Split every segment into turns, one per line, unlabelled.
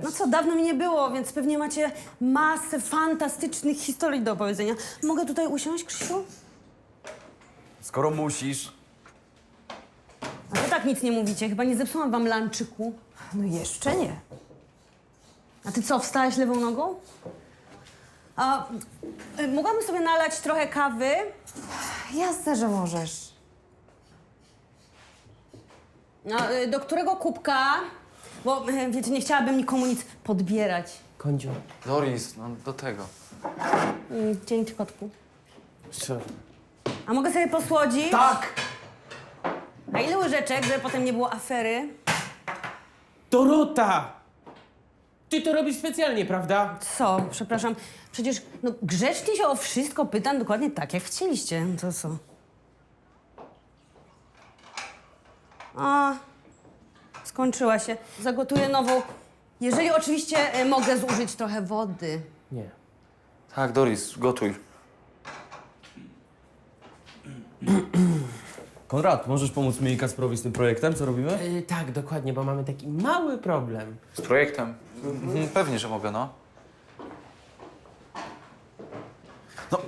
No co, dawno mi nie było, więc pewnie macie masę fantastycznych historii do opowiedzenia. Mogę tutaj usiąść, Krzysiu?
Skoro musisz.
A wy tak nic nie mówicie, chyba nie zepsułam wam lanczyku.
No jeszcze nie.
A ty co, wstałaś lewą nogą? A mogłabym sobie nalać trochę kawy?
Jasne, że możesz.
Do którego kubka? Bo wiecie, nie chciałabym nikomu nic podbierać.
Kądziu.
Doris, no do tego.
Dzięki, kotku.
Co?
A mogę sobie posłodzić?
Tak!
A ile łyżeczek, żeby potem nie było afery?
Dorota! Ty to robisz specjalnie, prawda?
Co? Przepraszam. Przecież grzecznie się o wszystko pytam dokładnie tak, jak chcieliście. To co? A, skończyła się. Zagotuję nową. Jeżeli oczywiście mogę zużyć trochę wody.
Nie.
Tak, Doris, gotuj.
Konrad, możesz pomóc mi i Kasprowi z tym projektem, co robimy?
Tak, dokładnie, bo mamy taki mały problem.
Z projektem? Pewnie, że mogę, no. No.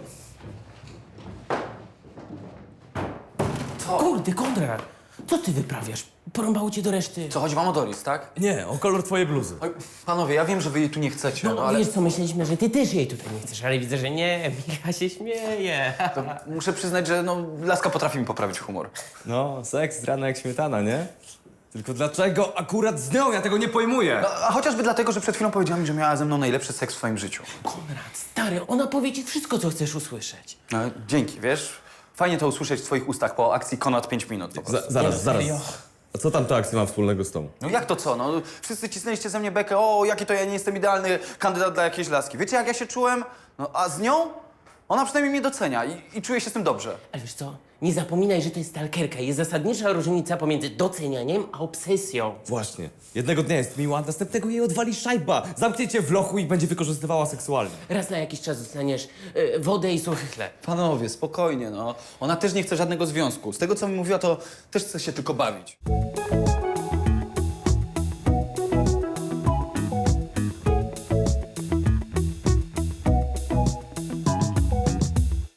Kurde, Konrad! Co ty wyprawiasz? Porąbało cię do reszty.
Co, chodzi wam o Doris, tak?
Nie, o kolor twojej bluzy.
Oj, panowie, ja wiem, że wy jej tu nie chcecie,
No,
no ale
wiesz co, myśleliśmy, że ty też jej tutaj nie chcesz, ale widzę, że nie. Micha się śmieje.
to muszę przyznać, że no, laska potrafi mi poprawić humor.
No, seks rana jak śmietana, nie? Tylko dlaczego akurat z nią? Ja tego nie pojmuję.
No, a chociażby dlatego, że przed chwilą powiedziała mi, że miała ze mną najlepszy seks w swoim życiu.
Konrad, stary, ona powie ci wszystko, co chcesz usłyszeć.
No, dzięki, wiesz? Fajnie to usłyszeć w twoich ustach po akcji Konrad 5 minut po prostu.
Zaraz.
serio?
A co tam ta akcja ma wspólnego z tą?
No jak to co? No, wszyscy cisnęliście ze mnie bekę, o, jaki to ja nie jestem idealny kandydat dla jakiejś laski. Wiecie, jak ja się czułem? No, a z nią? Ona przynajmniej mnie docenia i czuję się z tym dobrze.
Ale wiesz co, nie zapominaj, że to jest stalkerka. Jest zasadnicza różnica pomiędzy docenianiem a obsesją.
Właśnie. Jednego dnia jest miła, następnego jej odwali szajba. Zamknie cię w lochu i będzie wykorzystywała seksualnie.
Raz na jakiś czas dostaniesz wodę i suchy chleb.
Panowie, spokojnie, no. Ona też nie chce żadnego związku. Z tego, co mi mówiła, to też chce się tylko bawić.